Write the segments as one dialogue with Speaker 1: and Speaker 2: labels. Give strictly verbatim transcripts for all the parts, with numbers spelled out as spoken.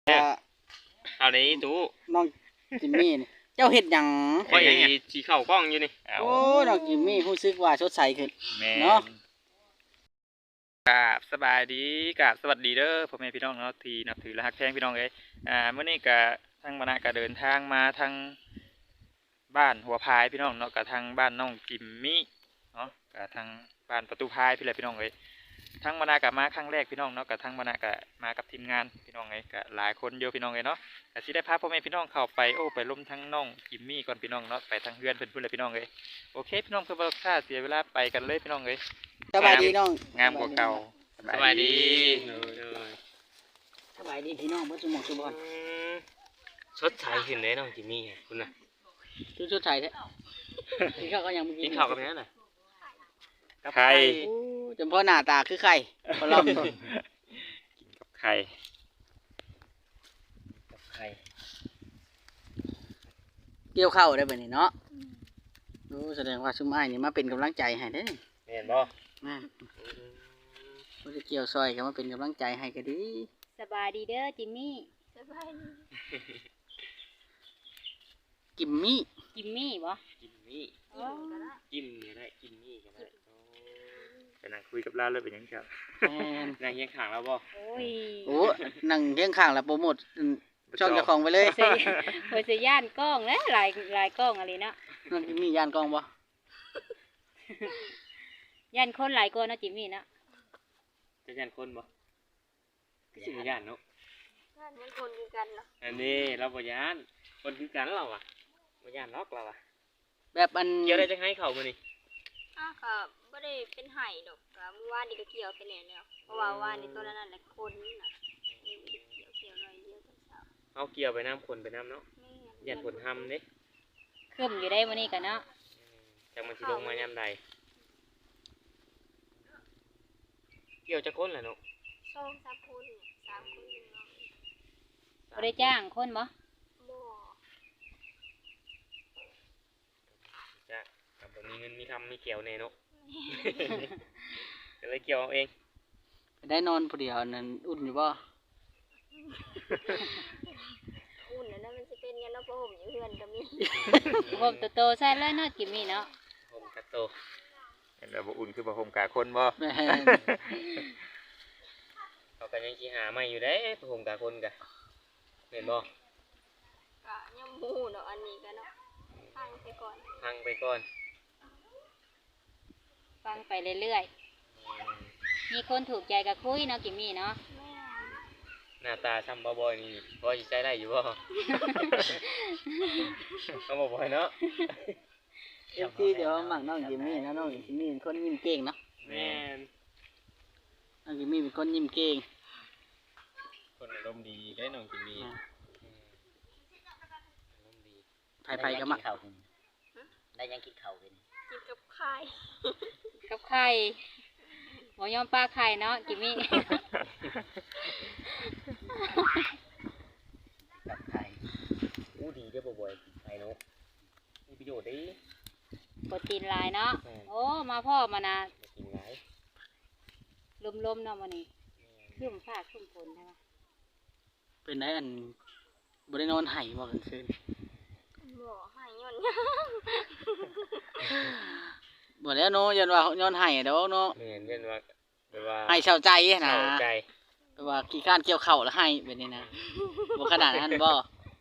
Speaker 1: เอาเลยตู้
Speaker 2: น้องจิมมี่นี่เจ้าเฮ็ดหยัง
Speaker 1: ข่อยสีเข่ากล้องอยู่นี่
Speaker 2: โอ้น้องจิมมี่รู้สึกว่าสดใสขึ้นเนาะ
Speaker 1: กราบสบายดีกราบสวัสดีเด้อพ่อแม่พี่น้องเนาะที่นับถือและฮักแพงพี่น้องเอ้ยอ่าเมื่อนี้ก็ทางบรรณาก็เดินทางมาทางบ้านหัวพายพี่น้องเนาะกับทางบ้านน้องจิมมี่เนาะกับทางบ้านประตูพายพี่เลยพี่น้องเอ้ยทางบรรณากับมาครั้งแรกพี่น้องเนาะกับทางบรรณากับมากับทีมงานพี่น้องเอ้ยกับหลายคนเยอะพี่น้องเอ้ยเนาะก็สิได้พาพ่อแม่พี่น้องเข้าไปโอ้ไปล้มทั้งน้องจิมมี่ก่อนพี่น้องเนาะไปทางเฮือนเพิ่นพุ่นเลยพี่น้องเอ้ยโอเคพี่น้องเพื่อบ่ค่าเสียเวลาไปกันเลยพี่น้องเอ้ย
Speaker 2: สบายดีน้อง
Speaker 1: งามกว่าเก่าสบายดี
Speaker 2: สบายดีพี่น้องบ่สมองสุบอน
Speaker 1: สดใสขึ้นเลยน้องจิมมี่คุณน่ะ
Speaker 2: ดูสดใสแท้กินข้าวก็ยังบ่
Speaker 1: กินข้าวกับแม่น่ะกับไข่
Speaker 2: จำเพาะหน้าตาคือไข่บ่ลองกิน
Speaker 1: กับไข่กับไข่
Speaker 2: เกี่ยวข้าวได้บัดนี้เนาะโอ้แสดงว่าซุมอ้ายนี่มาเป็นกำลังใจให้เด้
Speaker 1: แม่นบ่
Speaker 2: แม่นบ่ได้เกี่ยวซอยก็มาเป็นกำลังใจให้ก็ดี
Speaker 3: สบายดีเด้อจิมมี่สบายดี
Speaker 2: กิมมี่
Speaker 3: จิมมี่บ่
Speaker 1: จิมมี่จิมนี่ได้จิมมี่ก็ได้ไปนั่งคุยกับเราเลยเป็นยังไงนั่งเคียงข้างเราบ่
Speaker 3: โอ้ย
Speaker 2: โอ้นั่งเคียงข้างแล้วโปรโมทช่องเจ้าของไปเลย
Speaker 3: เพิ่นสิย่านกล้องนะหลายหลายกล้องอะไรเนาะ
Speaker 2: น้องจิมมี่ย่านกล้องบ่
Speaker 3: ย่านคนหลายกว่าเนาะจิมมี่เนาะ
Speaker 1: จะย่านคนบ่สิย่านเนาะ
Speaker 3: ย่านมันคนคือกันเนาะ
Speaker 1: อันนี้เราบ่ย่านคนคือกันเราอ่ะบ่ย่านล็อกเราอ่ะ
Speaker 2: แบบอัน
Speaker 1: เกี่ยวได้จังไห้เข้ามื้อนี้
Speaker 3: อ้าวก็บ่ได้เป็นไห้ดอกก็เมื่อวานนี่ก็เกี่ยวไปแล้วแล้วเพราะว่าว่านนี่ตอนนั้นแหละคนน่ะเกี่ยวเกี่ยวหน่อยเดียวตอนเช้า
Speaker 1: เอาเกี่ยวไปน้ำคนไปน้ำเนาะย่านผลทำนี่
Speaker 3: ขึ้นอยู่ได้มื้อนี้กันเนาะ
Speaker 1: จังมันสิลงมายามใดเกี่ยวจะคนแหละเนาะ
Speaker 3: สองสามคนสามคนเนาะบ่ได้จ้างคนบ่บ่
Speaker 1: จ้ะกับบ่มีเงินมีคำมีเกี่ยวแน่เนาะก็เลยเกี่ยวเอาเอง
Speaker 2: ได้นอนผู้เดียวนั่นอุ่นอยู่บ่
Speaker 3: อุ่นแล้วนะมันสิเป็นกันเนาะเพราะผมอยู่เฮือนก็มีผมโตๆใส่เลยเนาะจิมมี่เนาะ
Speaker 1: ผมกะโตเห็นแบบบ่อุ่นคือบ่ผมกะคนบ่เขาก็ยังสิหาใหม่อยู่เด้ผมกะคนกะเห็นบ่
Speaker 3: กะยังบ่ฮู้เนาะอันนี้ก็เนาะฟังไปก่อน
Speaker 1: ฟังไปก่อน
Speaker 3: ฟังไปเรื่อยๆมีคนถูกใจก็คุยเนาะจิมมี่เนาะ
Speaker 1: หน้าตาซ้ำบ่บ่อยนี่พอสิใช้ได้อยู่บ่เอาบ่บ่อยเนาะ
Speaker 2: เอฟซีเดี๋ยวมั่งน้องจิมมี่นะน้องจิมมี่เป็นคนยิ้มเก่งเนาะ
Speaker 1: แม่น
Speaker 2: น้องจิมมี่เป็นคนยิ้มเก่ง
Speaker 1: คนอารมณ์ดีได้น้องจิมมี่อ
Speaker 2: ารมณ์ดีไผๆก็มัก
Speaker 4: ได้ยังกินข้าวกิน
Speaker 3: กินกับไข่กับไข่หมอยอมปลาไข่เนาะจิมมี่
Speaker 4: กับไข่
Speaker 1: อู้ดีได้บ่อยๆไข่เนาะมีประโยชน์ดี
Speaker 3: โปรตีนหลายเนาะโอ้มาพ่อมานะ
Speaker 1: กินหลาย
Speaker 3: ลมๆเนาะมื้อนี้ขึ้นฟ้าขึ้นฝนใช่มั้ย
Speaker 2: เป็นได้อันบ่ได้นอนไห้บ่กลางคืน
Speaker 3: บ่ไห้ย้อน
Speaker 2: บ่แล้วเนาะยันว่าย้อนไห้ดอกเนาะ
Speaker 1: แม่นยันว่าแบบว่า
Speaker 2: ไห้เศร้าใจนะ
Speaker 1: เศร้าใจ
Speaker 2: แบบว่าขี้ข้านเกี่ยวข้าวแล้วไห้แบบนี้นะบ่ขนาดนั้นบ่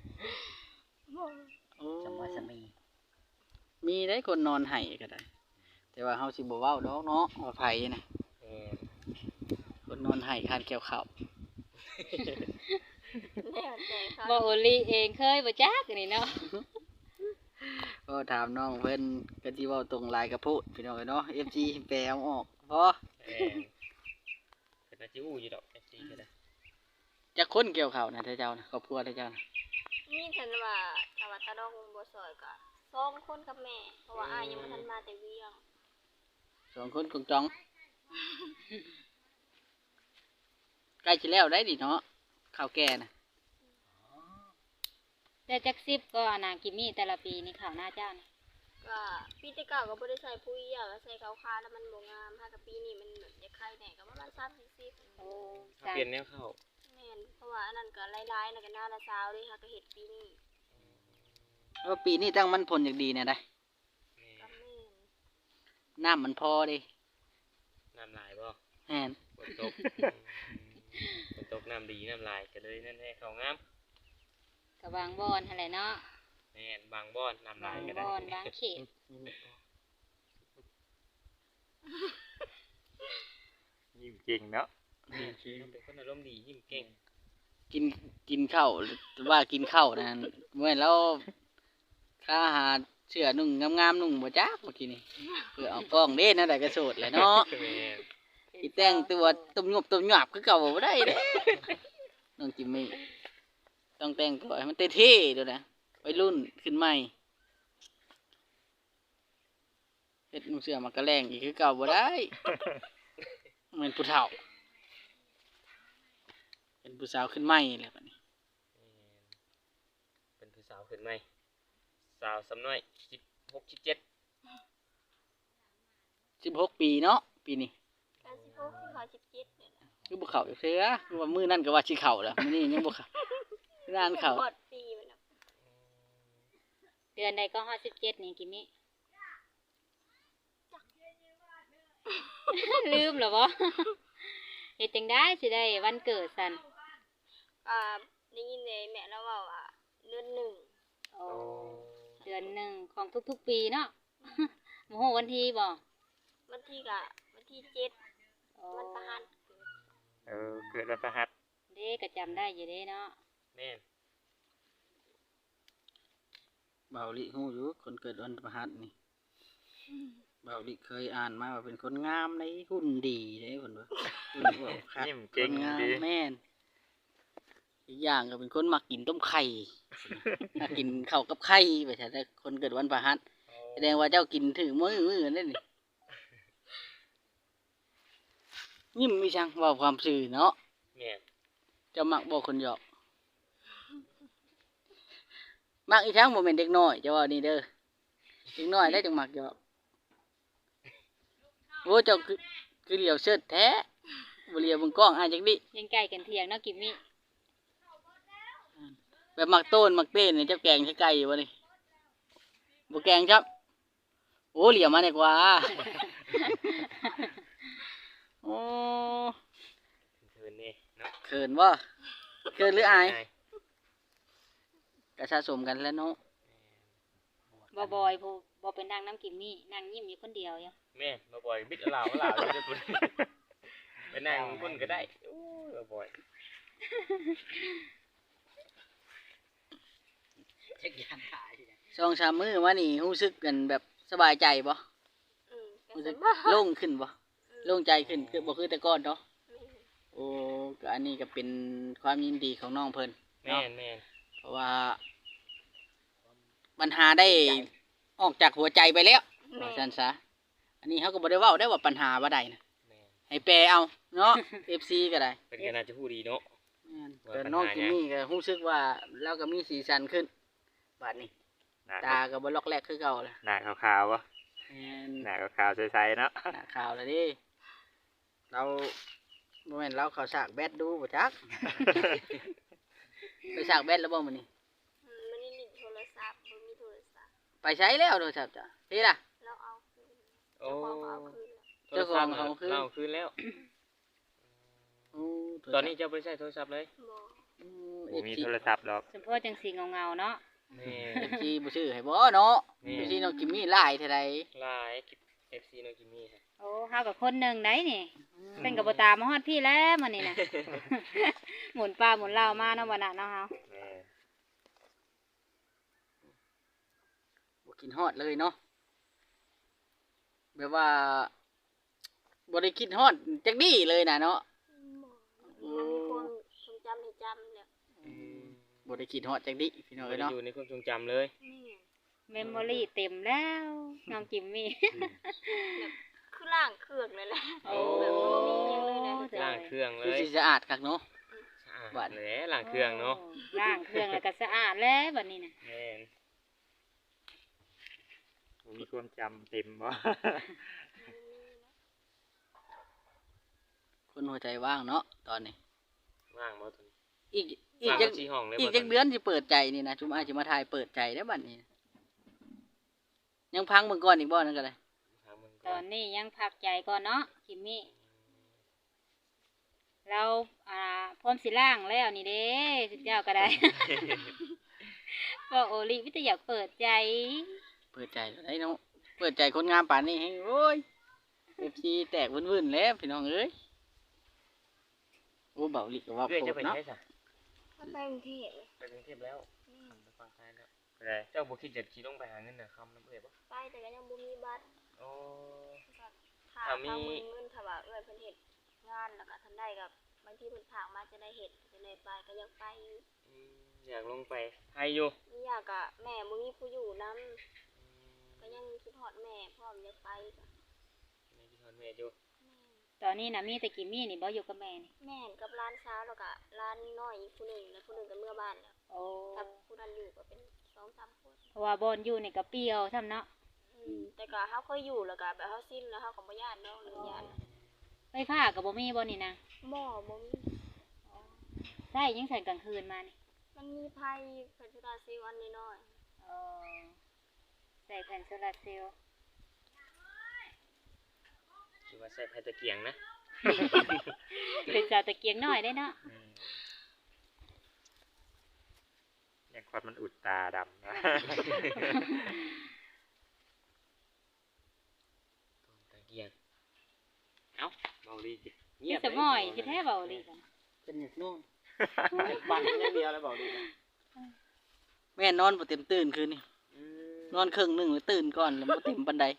Speaker 2: โอ้
Speaker 4: จังว่าสมี
Speaker 2: มีได้คนนอนไห้ก็ได้แต่ว่าเฮาสิบ่เว้าดอกเนาะว่าไผน่ะ
Speaker 1: เออ
Speaker 2: คนนอนไห้ข้านเกี่ยวข้าว
Speaker 3: บ่โอลีเองเคยบ่จักนี่เนาะ
Speaker 2: ก็ถามน้องเพิ่นก็สิเว้าตรงหลายก็พูดพี่น้องเนาะ เอฟ ซี แปลเอาออกพอ
Speaker 1: เออเป็นอาชีพอู่อยู่ดอก เอฟ ซี ก็ได้
Speaker 2: จักคนเกี่ยวข้าวนะเจ้านะครอบครัวเจ้านะ
Speaker 3: มีเพิ่นว่าถ้าว่าตาดอกบ่ซอยก็สองคนกับแม่เพราะว่าอ้ายยังบ่ทันมาแต่เวียง
Speaker 2: สองคนกงจองใกล้สิแล้วได้ดิเนาะข้าวแก่น่ะ
Speaker 3: แต่จักสิบก็น่ากินมีแต่ละปีนี่ข้าวหน้าเจ้านะก็ปีที่เก่าก็บ่ได้ใส่ปุ๋ยอ่ะก็ใส่ขาวๆแล้วมันบ่งามถ้ากับปีนี้มันแบบจะไข่แหน่ก็ประมาณสามสิบโอ้
Speaker 1: เปลี่ยนแนวข้าว
Speaker 3: แม่นนเพราะว่าอันนั้นก็หลายๆแล้วก็หน้าละสาวเลยค่ะก็เฮ็ดปีนี้
Speaker 2: ว่าปีนี้ตั้งมันผลอย่างดีเนี่ยได้
Speaker 3: ก็แม่น
Speaker 2: น้ำมันพอเดิ
Speaker 5: น้ำลายบ่
Speaker 2: แม่น
Speaker 5: ฝนตกฝนตกน้ำดีน้ำลายก็เลยนั่นให้เขางาม
Speaker 6: ก็วางบอนหั่นแหละเนาะ
Speaker 5: แม่นบางบ่อนน้ำลา
Speaker 6: บาย ง
Speaker 5: ก็
Speaker 6: บ
Speaker 5: ได้
Speaker 6: อนบางเขต
Speaker 1: ยิ้มเก่งเนาะ
Speaker 5: เป็นคนอารมณ์ดียิ้มเก่ง
Speaker 2: กินกินข้าวว่ากินข้าวนะเมื่อเราข้าหาเสื้อนุ่งงามๆนุ่งบ่จักเมื่อกี้นี่เพื่อเอากล้องเด้นะได้กระโสดแหละเนาะ
Speaker 5: แม่น
Speaker 2: อีแต่งตัวตุ่มหยบตุ่มหยาบคือเก่าบ่ได้เด้น้องจิมมี่ต้องแต่งตัวให้มันเท่ๆด้วยนะวัยรุ่นขึ้นใหม่เฮ็ดนุ่งเสื้อมากระแรงอีกคือเก่าบ่ได้เหมือนผู้เฒ่าเป็นผู้สาวขึ้นใหม่แหละบัดนี้
Speaker 5: เป็นผู้สาวขึ้นไหมสาวสำน้อยสิบหกสิบเจ็ด
Speaker 2: สิบหกปีเนาะปีนี้
Speaker 3: ก็สิบหกสิเขาสิบเจ็ดเนี่ยนะ
Speaker 2: คือบ่เข้าจักเทื่อคือว่ามื้อนั้นก็ว่าสิเข้าแล้วมื้อนี้ยังบ่เข้างานเข้า
Speaker 3: บอดปีมันน่ะ
Speaker 6: เดือนใดก็ฮอดสิบเจ็ดนี่กิมมี่ ลืมเหรอบ่ เฮ็ดจังได้สิได้วันเกิดสั่น
Speaker 3: อ่าได้ยินเลยแม่เราเว้าว่าเดือนหนึ่ง
Speaker 6: โอ้เดือนหนึ่งของทุกๆปีเนาะ โมโหวันที่บ่
Speaker 3: วันที่ก็วันที่เจ็ด
Speaker 6: โอ้
Speaker 3: วันประหัส
Speaker 1: เออเกิดวันพฤหัส
Speaker 6: เด้ก็จำได้อยู่เด้เนาะ
Speaker 5: แม่น
Speaker 2: เบาลิฮู้อยู่คนเกิดวันพฤหัสนี่เบาลิเคยอ่านมาว่าเป็นคนงามในหุ่นดีเด้เพิ่นว่าหุ่นบ่คัก
Speaker 1: ยิ้ม
Speaker 2: ค
Speaker 1: เก่ง
Speaker 2: นงาม
Speaker 1: ดี
Speaker 2: แม่นอีกอย่างก็เป็นคนมักกินต้มไข่ มักกินข้าวกับไข่ไปใช่แต่คนเกิดวันพฤหัสแสดงว่าเจ้ากินถึงมื้อมื้อนั่นนี่ยิ้มมีช่างเว้าความซื่อเนาะ
Speaker 5: แม่น
Speaker 2: เจ้ามักบอกคนหยอก มักอีทั้งโมเมนเด็กน้อยเจ้าว่านี่เด้อเด็กน้อยได้จังมักหยอกโอ้เจ้าคือคือเหลียวเชิดแท้บ่เหลียวเบิ่งกล้องอ่านจักดิ
Speaker 6: ยังใกล้กันเที่ยงเนาะกิมมี่
Speaker 2: แบบมักโต้นมักเต้นนี่เจ้าแกงใช้ไก่อยู่บ่นี่บ่แกงครับโอ้เหลียวมาดีกว่า โอ้
Speaker 5: เทินนี่เนาะ
Speaker 2: เขินบ่เขินหรืออาย
Speaker 5: ง่าย
Speaker 2: ก็สะสมกันแล้วเนาะ
Speaker 6: บ่บอยผู้บ่เป็นนางน้ำกิมมี่นางยิ้มอยู่คนเดียวอยู่
Speaker 5: แม่นมาบ่อยบิดเอาเหล่าเอาเหล่าเลยเด้อพุ่นไปนั่งพุ่นก็ได้โอ้ยมาบ่อย
Speaker 4: เช็คยานขาย
Speaker 2: สองสามมื้อมานี่รู้สึกกันแบบสบายใจบ่
Speaker 3: อืมก็
Speaker 2: รู้
Speaker 3: ส
Speaker 2: สึก
Speaker 3: บาย
Speaker 2: โล่งขึ้นบ่โล่งใจขึ้นคือบ่คือแต่ก่อนเนาะ
Speaker 3: แม่น
Speaker 2: โอ้ก็อันนี้ก็เป็นความยินดีของน้องเพิ่น
Speaker 5: แม่นแม่น
Speaker 2: เพราะว่าปัญหาได้ออกจากหัวใจไปแล้ว
Speaker 3: แม่
Speaker 2: ว่าซั่นซะอันนี้เขาก็บ่ได้เว้าได้ว่าปัญหาบ่ได้นะ
Speaker 5: แม่น
Speaker 2: ให้แปลเอาเนาะ เอฟ ซี ก็ได้
Speaker 5: เป็นก็น่าจะพูดดีเนาะ
Speaker 2: แม่น
Speaker 5: ว่า
Speaker 2: แต่
Speaker 5: ปัญหา
Speaker 2: น้องจิมมี่ก็รู้สึกว่าเราก็มีสีสันขึ้นบัดนี้
Speaker 1: หน้า
Speaker 2: ตาก็บ่ลอกแรกคือเก่าแล้ว
Speaker 1: หน้าขาวๆวะ
Speaker 2: แม่น
Speaker 1: หน้าขาวๆใสๆเนาะ
Speaker 2: หน้าขาวแล้วดิเราบ่แม่นเราเข้าฉากแบดดูบ่จัก ไปฉากแบดแล้วบ่มื้อนี้
Speaker 3: อืมมันนี่ลิ้นโทรศัพท์บ่มีโทรศัพท์
Speaker 2: ไปใช้แล้วโทรศัพท์จ้ะพี่ล่ะ
Speaker 3: เราเอาคืน
Speaker 5: โอ้
Speaker 3: เจ้าของก็เอาคืนแล้ว
Speaker 2: เจ้าของเอาคืน
Speaker 5: เราคืนแล้ว
Speaker 2: โอ้โทรศัพท์
Speaker 5: ตอนนี้เจ้าบ่ได้ใช้โทรศัพท์เลย
Speaker 3: บ่
Speaker 2: อืม
Speaker 1: บ่มีโทรศัพท์หรอก
Speaker 6: สมพอจังสีเงาๆเนาะ
Speaker 5: แม่
Speaker 2: เอฟซีบ่ซื้อให้บ่เนาะ
Speaker 5: นี่
Speaker 2: เอฟซีน้องจิมมี่หลายเท่าใด
Speaker 5: ลาย เอฟ ซี น้องจิมมี่ครับ
Speaker 6: โอ้เฮากับคนหนึ่งได้นี่ เป็นกับบ่ตามมาฮอดพี่แล้วมื้อนี้น่ะ หมุนปลาหมุนเหล้ามาเนาะบ่น่ะเนาะเฮา
Speaker 1: แม่น
Speaker 2: บ่กินฮอดเลยเนาะแบบว่าบ่ได้คิดฮอดจักดีเลยน่ะเนาะ
Speaker 3: บ่มันมีความทรงจำให้จำแล้ว
Speaker 2: บ่ได้คิดฮอดจักดีพี่น้อง
Speaker 5: บ่
Speaker 2: เอ้ย
Speaker 5: ได้
Speaker 2: เนาะ
Speaker 5: อยู่ในความทรงจำเลย
Speaker 3: นี่
Speaker 6: เมมโมรี่เต็มแล้วน้องจิมมี่
Speaker 3: คือล่างเครื่องเลยแหละ
Speaker 6: โอ้
Speaker 3: แบบบ่มีหยังเลยนะ
Speaker 5: ล้างเครื่องเล
Speaker 2: คือย สิสะอาดคักเนาะ
Speaker 5: สะอาด
Speaker 2: บัด
Speaker 5: แหละล้างเครื่องเนาะ
Speaker 6: ล้างเครื่องแล้วก็สะอาดแล้วบัดนี้น่ะ
Speaker 5: แม่น
Speaker 1: บ่มีความจำเต็มบ่
Speaker 2: คนหัวใจว่างเนาะตอนนี้
Speaker 5: ว่างบ่ตอนนี้
Speaker 2: อีกอีก
Speaker 5: ฟัง
Speaker 2: จัก
Speaker 5: ชี้ห้องเลย
Speaker 2: อีกจักเดือนสิเปิดใจนี่นะชุมอาจสิมาถ่ายเปิดใจได้อบัดนี้ ยังพังเบิ่งก่อนอีกบ่นั่นก็ได้
Speaker 6: ตอนนี้ยังพักใจก่อนเนาะคิมมี่เราอ่าพร้อมสิล่างแล้วนี่เด้สุดเจ้าก็ได้ ก็โอลิวิทยาเปิดใจ
Speaker 2: เปิดใจแล้วได้เนาะเปิดใจคนงามป่านนี้ให้โอ้ย เอฟ ซี แตกวุ่นๆแล้วพี่น้องเอ้ยโอ้เบาหลีก็ว่า
Speaker 5: เพื่อน
Speaker 2: โพ
Speaker 5: จะ
Speaker 2: ด
Speaker 5: ไป
Speaker 2: เนาะ
Speaker 5: ใช้ซะ
Speaker 3: ถ้าไปกรุงเทพเลย
Speaker 5: ไปกรุงเทพแล้ว
Speaker 3: อืม
Speaker 5: ไปฟังไทยแล้วไปได้เจ้าบ่คิดจะขี่ลงไปหาเงินน่ะคำน้ำเอ้ยบ่
Speaker 3: ไปแต่ก็ยังบ่มีบัตร
Speaker 5: โอ้
Speaker 3: ก็ถ้า
Speaker 5: ถ้ามี
Speaker 3: ถ้ามือเงินถ้าว่าเอ้ยเพิ่นเฮ็ดงานแล้วก็ทันได้กับบางทีเพิ่นฝากมาจะได้เฮ็ดจะได้ไปก็ยังไปอยู่
Speaker 5: อืมอยากลงไปไทยอยู่
Speaker 3: นี่อยากกะแม่บ่มีผู้อยู่นํก็ยังคิดฮอดแม่พร้อมอยากไปก็
Speaker 5: ในที่ทอนแม่อยู่
Speaker 6: ตอนนี้นะมีแต่กิมมี่นี่บ่อยู่กับแม่นี่
Speaker 3: แม่นกับร้านเช้าวแล้วก็ร้านน้อยอีกผู้หนึงแล้วผู้หนึงก็เมื่อบ้านแล้ว
Speaker 6: โอ้
Speaker 3: ถ้าผู้นั้นอยู่ก็เป็นสองสามคน
Speaker 6: เพราะว่าบอนอยู่นี่ก็เปรี้ยวซ้ำเนาะ
Speaker 3: อืมแต่ก็เฮาเคยอยู่แล้วก็แบบเฮาสิ้นแล้วเฮาก็บ่ย้านเนาะเรื่องย้าน
Speaker 6: ไฟฟ้าก็บ่มีบ่นี่นะ
Speaker 3: หม้อบ่มี
Speaker 6: ใช่ยังใส่กลางคืนมานี่
Speaker 3: มันมีไผเพิ่นสุดาซีวันน้อย
Speaker 6: เออใส่แผ่นโซลาร์เซลล์
Speaker 5: คิดว่าใส่ไฟตะเกียงนะ
Speaker 6: เป็นสาวตะเกียงน้อยได้เนาะ
Speaker 1: อย่างควันมันอุดตาดำนะ
Speaker 5: ตะเกียงเอ้าเบาดีจิ
Speaker 6: พี่สมอยสิแท้เบาดีกัน
Speaker 2: เป็นอย่างนู้น
Speaker 5: บังอย่างเดียวแล้วเบาดีนะ
Speaker 2: แม่นอนบ่เต็มตื่นคืนนี่
Speaker 5: อืม
Speaker 2: นอนครึ่งหนึงแล้วตื่นก่อนแล้วบ่เต็มปานใด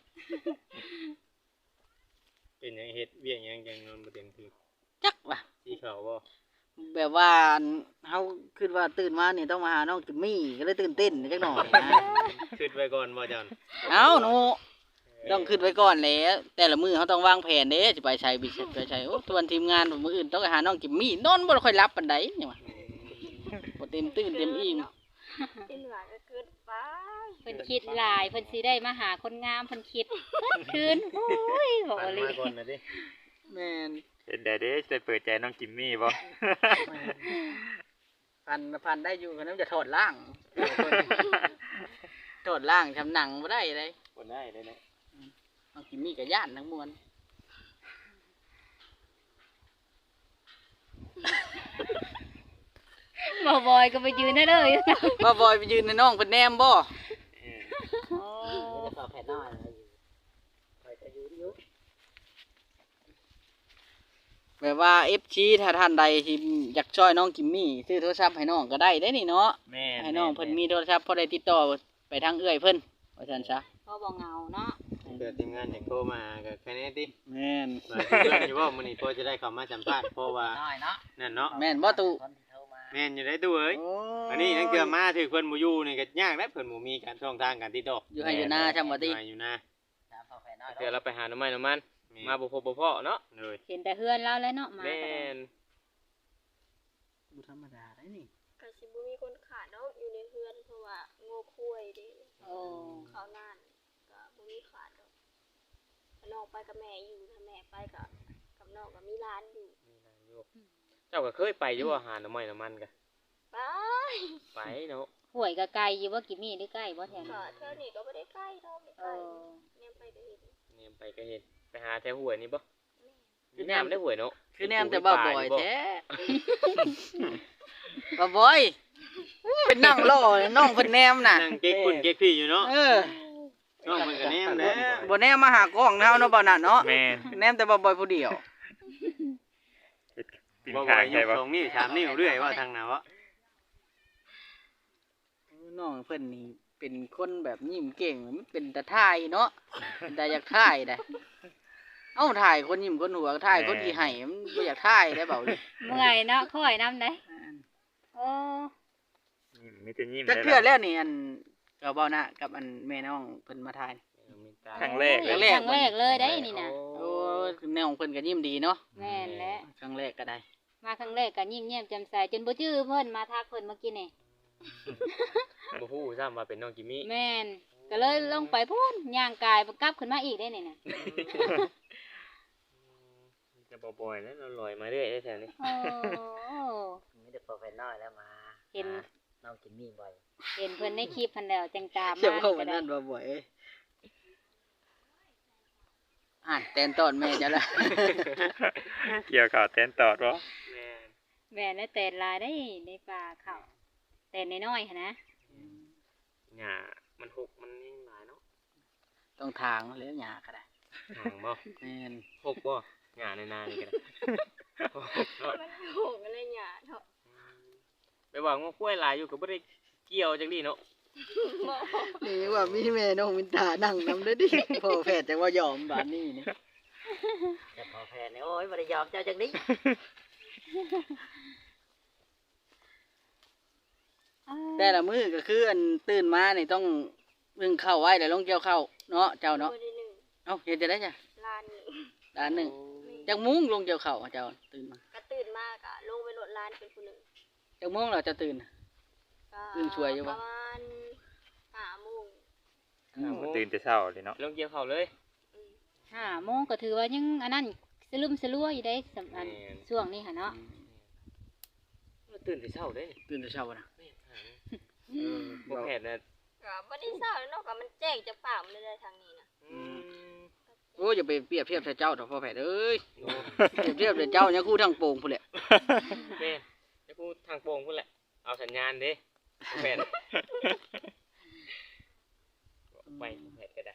Speaker 5: เป็นหยังเฮ็ดเวียงหยังจังนอนบ่เต็มที่
Speaker 2: จักว่ะ
Speaker 5: สีขาวบ่
Speaker 2: แบบว่าเฮาคิดว่าตื่นมานี่ต้องมาหาน้องจิมมี่ก็เลยตื่นเต้นจักหน่อยนะ
Speaker 5: คิดไว้ก่อนบ่จัน
Speaker 2: เอ้าหนูต้องขึ้นไว้ก่อนแหล้วแต่ละมื้อเขาต้องวางแผนเด้สิไปใช้บิไปใช้โอ้ตัวนทีมงานมื้ออื่นต้องไปหาน้องจิมมี่นอนบ่ค่อยหลับปานใดนี่ว่าบ่เต็มตื่นเต็มอิ่ม
Speaker 3: ๆที่เหนือก็เกินไป
Speaker 6: เพิ่นคิดหลายเพิ่นสิได้มาหาคนงามเพิ่นคิดเพิ่นคืนโอ้ยเบา
Speaker 5: ฝัน
Speaker 6: ดี
Speaker 5: มาก่อนนะดิ
Speaker 2: แม่น
Speaker 1: เห็นได้เด้จะเปิดใจน้องกิมมี่บ่
Speaker 2: พันพันได้อยู่คนนั้นจะถอดล่าง ถอดล่างทำหนังบ่ได้เลย
Speaker 5: บ่ได้เลยนะ
Speaker 2: น้องจิมมี่ก็ย่านทั้งมวล
Speaker 6: บ่บอยก็ไปยืนได้เลย
Speaker 2: ว่าบอยไปยืนในน้องเป็นแนมบ่
Speaker 5: เออ
Speaker 4: จะต่อแผ่นน้อยอะไรอยู่คอยจะยืนอยู่
Speaker 2: แบบว่า เอฟ ซี ถ้าท่านใดที่อยากช่วยน้องจิมมี่ซื้อโทรศัพท์ให้น้องก็ได้ได้นี่เนาะ
Speaker 1: แม่
Speaker 2: ให้น้องเพิ่นมีโทรศัพท์พอได้ติดต่อไปทางเอื้อยเพิ่นว่าซั่นซะ
Speaker 6: ก็บ่เหงาเนาะ
Speaker 5: เกิดทีมงานอยากโทรมาก็แค่นี้ติ
Speaker 2: แม่น
Speaker 5: มาเพื่อนอยู่ว่ามื้อนี้พอจะได้เข้ามาสัมภาษณ์เพราะว่า
Speaker 4: น้อยเนาะ
Speaker 5: นั่นเนาะ
Speaker 2: แม่นบ่ตุ
Speaker 4: คนที่โทรมา
Speaker 5: แม่นอยู่ได้ตู้เอ้ย
Speaker 2: โอ้ย
Speaker 5: อันนี้นั่นคือมาถึงเพิ่นบ่อยู่นี่ก็ยากแล้วเพิ่นบ่มีการช่องทางการติดต่อ
Speaker 2: อยู่ให้อยู่หน้าช่ำบ่ติ
Speaker 5: มาอยู่นะ
Speaker 4: ตามต่อแผ่นน้อย
Speaker 5: เดี๋ยวเราไปหาหน่อไม้หน่อมันมาบ่พบบ่พ้อเนาะเลย
Speaker 6: เห็นแต่เฮือนเราแล้วเนาะมา
Speaker 5: แม่
Speaker 6: ก็ได้
Speaker 5: น
Speaker 2: บ่ธรรมดาได้นี่
Speaker 3: ก็สิบ่มีคนขาดเนาะอยู่ในเฮือนเพราะว่าโง่คุยเด้
Speaker 6: โอ้
Speaker 3: เขาวนานก็บ่มีขาดดอกถ้าน้องไปกับแม่อยู่ถ้าแม่ไปก็กับน้องก็มีร้านอยู่
Speaker 5: มีนางอยู่เจ้าก็เคยไปอยู่ว่าหาหน่อไม้หน่อมันก็
Speaker 3: ไป
Speaker 5: ไปเนาะ
Speaker 6: ห่วยก็ไกลอยู่ว่ากิมมี่หรือใกล้บ่แถว
Speaker 3: ก็
Speaker 6: นั้น
Speaker 3: เท่านี้ก็บ่ได้ใกล้เท่าไม่
Speaker 6: เอ
Speaker 3: ใกล้
Speaker 6: อ
Speaker 3: เนี่ยไปก็เห็น
Speaker 5: เนี่ยไปก็เห็นไปหาแถวห้วยนี่บ่มีน้ำได้ห้วยเนาะ
Speaker 2: คือแนมแต่บ่าวบอยแท้ บ่าวบอยเป็นนั่งรอน้องเพิ่นแนมน่ะ
Speaker 5: นั่งเก๊กคุณเก๊กพี่อยู่เนาะ
Speaker 2: เออ
Speaker 5: น้องมันก็แนมแหล้ว
Speaker 2: บ่แนมมาหากล้องเฮาเนาะบ่าวน่ะเนาะ
Speaker 1: แม่
Speaker 2: แนมแต่บ่าวบอยผู้เดียว
Speaker 1: ปิน
Speaker 5: บ่
Speaker 1: ข้า
Speaker 5: บ่
Speaker 1: ง
Speaker 5: ย
Speaker 1: ใช่
Speaker 5: ก
Speaker 1: บ่
Speaker 5: สองนิ้วสามนิ้วเรื่อยว่าทางน่ะวะ
Speaker 2: น้องเพิ่นนี่เป็นคนแบบยิ้มเก่งมันเป็นตาถ่ายเนาะเป็นตาอยากถ่ายได้เอ้าถ่ายคนยิ้มคนหัวถ่ายคนที่ให้มันบ่อยากถ่ายได้เบาเลย
Speaker 6: เมื่อยเนาะค่อยนำได้โอ้
Speaker 1: มีแต่ยิ้ม
Speaker 2: จักเทื่อแล้วนี่อันก็เบาหน้ากับอันแม่น้องเพิ่นมาถ่าย
Speaker 1: ครั้งแรก
Speaker 6: ค
Speaker 1: เล
Speaker 6: รั้
Speaker 1: ย
Speaker 6: งแรกครั้งแรกเลยได้นี่น่ะ
Speaker 2: โอ้แนวของเพิ่นก็ยิ้มดีเนาะ
Speaker 6: แม่นแล้ว
Speaker 2: ครั้งแรกก็ได้
Speaker 6: มาครั้งแรกก็ยิ้มแย้มแจ่มใสจนบ่จื้อเพิ่นมาทักเพิ่นเมื่อกี้นี่
Speaker 5: บ่ฮู้ซ้ำว่าเป็นน้องจิมมี่
Speaker 6: แม่นก็เลยลงไปพูนย่างกายกลับขึ้นมาอีกได้นี่น่ะ
Speaker 5: จะจะบ่อยๆแล้วเราลอยมาเรื่อยได้แถวนี้
Speaker 6: โอ้
Speaker 4: มีแต่พอแผ่นน้อยแล้วมา
Speaker 6: เห็น
Speaker 4: น้องกินมีบ่อย
Speaker 6: เห็นเพิ่นในคลิปเพิ่นแล้วจังตาม
Speaker 2: เชื่อ
Speaker 6: มา
Speaker 2: เข้า
Speaker 6: ก็
Speaker 2: วัน
Speaker 6: ได้
Speaker 2: นั้นบ่บ่อยเอ้ยอ่านแตนตอนแม่จะละ
Speaker 1: เกี่ยวข่าวแตนตอดบ่
Speaker 5: แม่น
Speaker 6: แม่นแล้วแต่ลายได้ในป่าเขาแต่น้อยๆหั่นนะ
Speaker 5: หญ้ามันหกมันยังหลายเนาะ
Speaker 2: ต้องทางแล้วหยาก็ได้
Speaker 5: ห่างบ่
Speaker 2: แม่น
Speaker 5: หกบ่หญ้าในนานี่ก็ได้หกเนาะ
Speaker 3: มันโหงอะไรหยาเถาะ
Speaker 5: ไปว่างูกล้วยหลายอยู่ก็บ่ได้เกี่ยวจังดีเนาะ
Speaker 3: บ่
Speaker 2: นี่ว่ามีแม่น้องมินตานั่งนำเด้อดิพ่อแพทย์จังว่ายอมบาดนี้นี่
Speaker 4: แต่พอแผ่นนี่โอ้ยบ่ได้ยอมเจ้าจังนี้
Speaker 2: แต่ละมื้อก็คืออันตื่นมานี่ต้องนึ่งข้าวไว้แล้วลงเกี่ยวข้าวเนาะเจ้าเนาะ
Speaker 3: บ่ได้หนึ่ง
Speaker 2: เอ้าเฮ็ดจะได้จ้ะ
Speaker 3: ลานหนึ่ง
Speaker 2: ด้านหนึงจักมุ้งลงเกี่ยวข้าวเจ้าตื่นมา
Speaker 3: ก็ตื่นมากอะลงไปโหลดลานเป็นผู้หนึ่ง
Speaker 2: จักมุ้งเราจะตื่น
Speaker 3: ก็
Speaker 2: ตื่นช่วยอยู่
Speaker 3: ป
Speaker 2: ปะ
Speaker 3: ระมาณห้าโมง
Speaker 5: ห้าโมง
Speaker 1: ตื่นแต่เช้าเลยเนาะ
Speaker 5: ลงเกี่ยวข้าวเลย
Speaker 3: อืม
Speaker 6: ห้าโมงก็ถือว่ายังอันนั้นสลืมสลัวอยู่ได้สำอัน
Speaker 5: แม่น
Speaker 6: ช่วงนี้ค่ะเนาะ
Speaker 5: ตื่นแต่เช้าเด้
Speaker 2: ตื่นแต่เช้านะ
Speaker 5: แม่นหาบ่แพทย์น่ะ
Speaker 3: ก็บ่ได้เศร้าเนาะก็มันแจ้งจะป่ามันเลยได้ทางนี้นะ
Speaker 5: อืม
Speaker 2: โอ้ยอย่าไปเปรียบเทียบใส่เจ้าเถอะพ่อแพทย์เอ้ย
Speaker 5: โอ้
Speaker 2: เปรียบเทียบใส่เจ้าเนี่ยคู่ทั้งโป่งพุ่นแหละ
Speaker 5: แม่นจะพูดทางโป่งพุ่นแหละเอาสัญญาณเด้บ่แพทย์ไปบ่แพทย์ก็ได้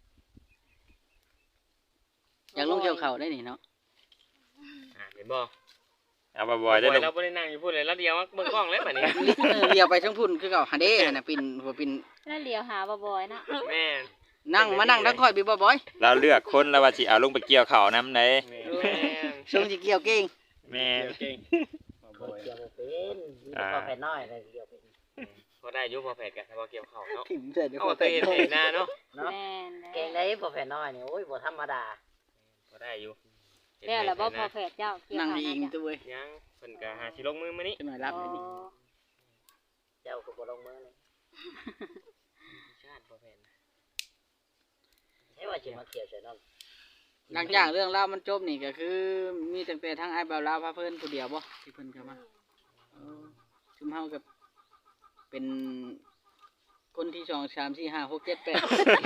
Speaker 2: อยากลงเกี่ยวข้าวได้นี่เนาะ
Speaker 5: อ่าเห็นบ่
Speaker 1: เอาบ่บ่อยได้ลง
Speaker 5: เราบ่ได้นั่งอยู่พุ่นเลยแล้วเดียวมาเบิ่งกล้องเลยบัดนี้
Speaker 2: เออเลียวไปทั้งพุ่นคือเก่าหาเด้หั่นน่ะปิ่นหัวปิ่น
Speaker 6: แล้วเลี้ยวหาบ่อยๆเนาะ
Speaker 5: แม่น
Speaker 2: นั่งมานั่งทั้งค่อยพี่บ่บ่อย
Speaker 1: เราเลือกคนแล้วว่าสิเอาลงไปเกี่ยวข้าวนํไหน
Speaker 5: แม่น
Speaker 2: ทรงสิเกี่ยวเก่ง
Speaker 1: แม่น
Speaker 5: เก่ง
Speaker 4: คนเกี่ยวบ่เป็นมีแต่พอแผ่นน้อยเลยเกี่ยวเป็น
Speaker 5: พอได้อยู่พอแพทย์กันถ้าบ่เกี่ยวข้าวเนาะ
Speaker 2: ถิ่มใส่เดี๋ยว
Speaker 5: เอา
Speaker 2: พ่อ
Speaker 5: เค
Speaker 2: แพ
Speaker 5: ย
Speaker 2: ท
Speaker 5: เห็น
Speaker 2: ย์
Speaker 5: เห็นหน้าเนาะ
Speaker 4: เนาะ
Speaker 6: แม่น
Speaker 4: เก่งได้พอแผ่นน้อยนี่โอ้ยบ่ธรรมดา
Speaker 5: พอได้อยู่
Speaker 6: แล้วล่ะบ่พอแผดเจ้าเกี่ยว
Speaker 2: นั่ง
Speaker 6: ข้าว
Speaker 2: ดีอิง
Speaker 6: นะ
Speaker 2: ตัวเว้ย
Speaker 5: ยังเพิ่นก็หาสิลงมือมื้อนี้
Speaker 2: จะหน่อยรับเลยนี่
Speaker 4: เจ้าก็บ่ลงมือเลย
Speaker 5: ชาติบ่แม่น
Speaker 4: ใช่ว่าสิมาเกี่ยวใส่น้อง
Speaker 2: หลังจากเรื่องราวมันจบนี่ก็คือ มีตั้งแต่ทางไอ้ายบ่าวลาวพาเพิ่นผู้เดียวบ่ที่เพิ่นเข้ามาเออชุมเฮากับเป็นคนที่สองสามสี่ห้าหกเจ็ดแปด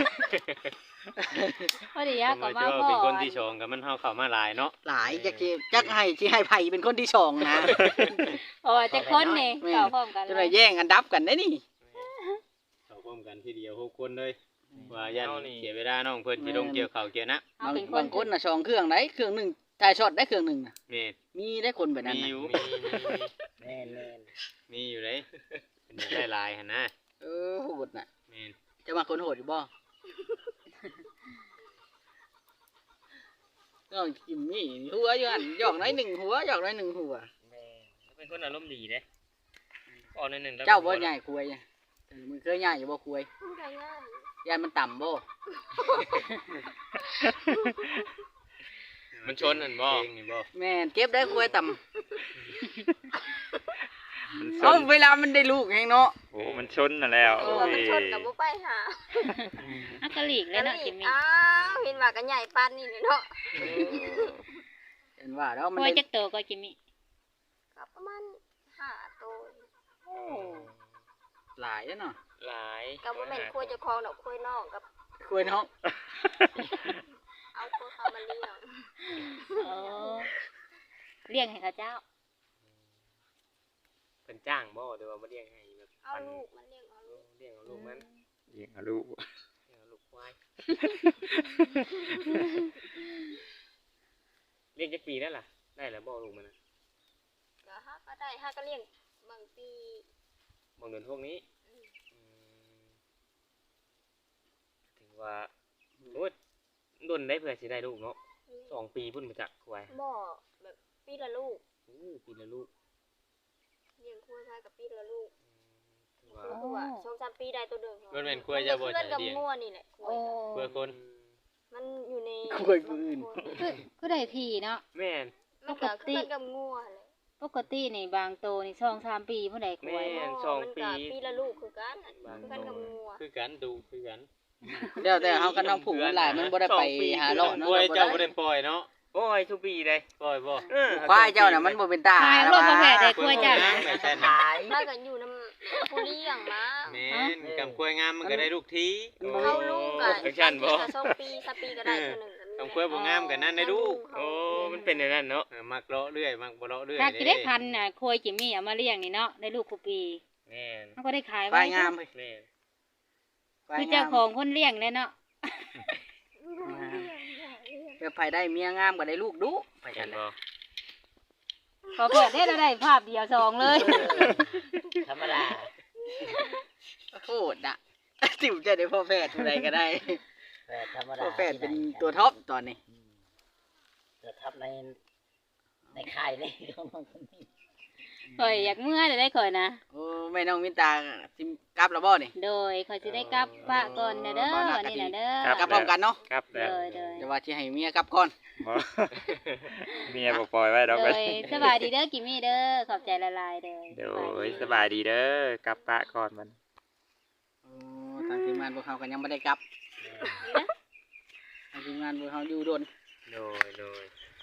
Speaker 6: พอดียาก็มา
Speaker 5: ผม
Speaker 6: บ่
Speaker 5: ว่าเป็นคนที่ชงกับมันเฮาเข้ามาหลายเนาะ
Speaker 2: หลายจักสิจักให้สิให้ไผเป็นคนที่สองนะ
Speaker 6: เพราะว่าจะคนนี่
Speaker 2: แม่น
Speaker 6: เข้าพร้อมกัน
Speaker 2: จะ
Speaker 6: เล
Speaker 2: ได้
Speaker 6: ย
Speaker 2: แย่งอันดับกันได้นี่
Speaker 7: เข้าพร้อมกันทีเดียวหกคนเลยว่ายันเสียเวลาน้องเพิ่นสิลงเกี่ยวข้าวเกี่ยวนะ
Speaker 6: เอา
Speaker 2: บาง
Speaker 6: เป็นค
Speaker 2: บาน งคนน่ะสองเครื่องไหนเครื่องหนึงถ่ายช็อตได้เครื่องหนึงน่ะ
Speaker 7: แม่น
Speaker 2: มีได้คนแบบนั้น
Speaker 7: มี
Speaker 2: น่ะ
Speaker 7: อยู่
Speaker 5: มีมีมี
Speaker 4: แม่นแม่น
Speaker 7: มีอยู่เลยเพิ่นได้หลายหั่นนะ
Speaker 2: เออโหดน่ะ
Speaker 7: แม่น
Speaker 2: จะมาคนโหดอยู่บ่น้องกิมมี่หัวอยู่หั่นหยอกน้อยหนึ่งหัวหยอกน้อยหนึ่งหัว
Speaker 4: แม่น
Speaker 5: เป็นคนอารมณ์ดีเด้ออกหนึ่งๆแล้ว
Speaker 2: เจ้าบ่ใหญ่คุยอะเออมึงเคยใหญ่อยู่บ่คุย
Speaker 3: มันก็ง่าย
Speaker 2: ยานมันต่ำบ่
Speaker 5: มันชนนั่นบ่
Speaker 7: เก่งนี่บ่
Speaker 2: แม่นเก็บได้คุยต่ำ
Speaker 1: มันช
Speaker 2: เอ้าน เวลามันได้ลูกแฮงเนาะ
Speaker 1: โอ้มันชนน่ะแล้ว
Speaker 3: เอ
Speaker 1: โอ้
Speaker 3: อย มันชนกับบ่ไปหา
Speaker 6: อักกะลีกเลยเนาะ
Speaker 3: ก็
Speaker 6: กิมมี่
Speaker 3: อ้าวเห็นว่ากันใหญ่ปานนี้นี่เนาะ
Speaker 2: เห็นว่าแล้วมัน
Speaker 6: พอ
Speaker 2: ได้
Speaker 6: จักโตก็กิมมี่
Speaker 3: ก็ประมาณห้าตัว
Speaker 6: โอ้
Speaker 2: หลายแล้วเนาะ
Speaker 5: หลาย
Speaker 3: ก็บ่แม่นคุยเจ้าของดอกคุยน้องกับ
Speaker 2: คุยเนาะ
Speaker 3: เอาคุยเขามาเลี้ยง
Speaker 6: เออเลี้ยงให้เขาเจ้า
Speaker 5: เพิ่นจ้างบ่หรือว่าบ่เลี้ยงให้แบบ
Speaker 3: เอา
Speaker 5: ปัน
Speaker 3: ลูกมันเลี้ยงเอาลูก
Speaker 5: เลี้ยงเอาลูกมัน
Speaker 1: ยิงเอาลูก
Speaker 5: เลี้ยงเอาลูกควายเลี้ยงจักปีแล้วล่ะได้แล้วบ่ลูกมันน่ะ
Speaker 3: ก็ฮักก็ได้ฮักก็เลี้ยงบางปี
Speaker 5: บางเดือนพวกนี้อืมถึงว่าโอ้ยดนได้เพื่อสิได้ลูกเนาะสองปีพุ่นมาจากควาย
Speaker 3: บ่แบบปีละลูก
Speaker 5: อู้ปีละลูก
Speaker 3: เลี้ยงคุยพายกับปีละลูก
Speaker 5: ถือว่า
Speaker 3: คือว่าสองสามปีได้ตัวเดิม
Speaker 7: มันเป็นกล้วยจะบ่
Speaker 3: เพื่
Speaker 7: ใช่
Speaker 3: อนกับ
Speaker 7: เลี้ยง
Speaker 3: งัวนี่แหละคุ
Speaker 6: โอ้
Speaker 3: ย
Speaker 7: เพื่อคน
Speaker 3: มันอยู่ใน
Speaker 2: คุยผู้อื่น
Speaker 6: คือคือได้ทีเนาะ
Speaker 5: แม่น
Speaker 3: มันก็คือกันกับงัวเลย
Speaker 6: ปกตินี่บางโตนี่สองสามปีผู้ใดคว
Speaker 5: แม่
Speaker 6: ย
Speaker 5: นสอง
Speaker 3: มัน
Speaker 5: ปี
Speaker 3: ก็ปีละลูกคือกัน
Speaker 5: บาง
Speaker 3: คือกันกับงัว
Speaker 7: คือกันดูคือกัน
Speaker 2: เดี๋ยวแต่เฮากันน้องผูกมันหลายมันบ่ได้ไปหาเลาะเนาะ
Speaker 7: กล้วย
Speaker 2: บ่
Speaker 7: เจ้า
Speaker 2: ได้
Speaker 7: บ่ได้ปล่อยเนาะ
Speaker 5: โอ้ยทุกปีเลย
Speaker 7: ปล่อยบ่
Speaker 5: เออ
Speaker 2: ควายเจ้าน่ะมันบ่เป็นตา
Speaker 6: ขายรถบ่แพ้ได้กล้วยจ้ะ
Speaker 7: ไม่ใช่นะ
Speaker 4: ขาย
Speaker 3: ถ้ากันอยู่น้ำผู้เลี้ยงมา
Speaker 7: แม่นกำกล้วยงามมันก็ได้ลูกที
Speaker 3: เข้าลูกกัน
Speaker 5: จังซั่นบ่
Speaker 3: สองปีสามปีก็ได้ตัวหนึ่ง
Speaker 7: กำกล้วยบ่งามกันนั่นได้ลูก
Speaker 5: โอ้มันเป็นอย่างนั้นเนาะ
Speaker 7: เออมักเลาะเรื่อยมักบ่เลาะเรื่อย
Speaker 6: ถ้ากิได้พันน่ะโคยจิมมี่เอามาเลี้ยงนี่เนาะได้ลูกคุปี
Speaker 5: แม่น
Speaker 6: มันก็ได้ขาย
Speaker 2: ควา
Speaker 6: ไว้
Speaker 2: ยงามเฮ้ย
Speaker 5: แม่น
Speaker 2: ควาย
Speaker 6: คือง เจ้าม ของคนเลี้ยงเลยเนาะ
Speaker 2: เพื่อไผได้เมียงามก็ได้ลูกดุไป
Speaker 5: เห็
Speaker 2: กัน
Speaker 5: น
Speaker 2: เลย
Speaker 5: บ่
Speaker 6: พอเกิดได้เราได้ภาพเดียวสองเลย
Speaker 4: ธรรมดา
Speaker 2: โคตรอ่ะ ติ๋วจะได้พ่อแพทย์ผู้ใดก็ได้
Speaker 4: แฝดธรรมดา
Speaker 2: พ่อแพทย์เป็นตัวท็อปตอนนี้
Speaker 4: ตัวท็อปในในค่ายเลยของน้องคนนี้
Speaker 6: ข่อยอยากเมื่อจะได้ข่อยนะ
Speaker 2: โอ้แม่น้องมินตาสิกลับแล้วบ่นี่
Speaker 6: โดยข่อยจะได้กลับปะก่อนนะเด้อวันนี้นะเด้อ
Speaker 2: กลับพร้อมกันเนาะ
Speaker 1: ครับ
Speaker 6: โด
Speaker 1: แล้ว
Speaker 6: ยโดย
Speaker 2: แต่ว่าสิให้เมียกลับก่อน
Speaker 1: บ่ เมียบ่ปล่อยไว้ดอก
Speaker 6: โด
Speaker 1: เว้
Speaker 6: ย
Speaker 1: ย
Speaker 6: สบายดีเด้อกิมมี่เด้อขอบใจละลายเด้อ
Speaker 1: เดี๋ยวสบายดีเด้อกลับปะก่อนมัน
Speaker 2: โอ้ทางทีมงานพวกเขาก็ยังบ่ได้กลับทางทีมงานพวกเขาอยู่โดน
Speaker 5: โดยโดย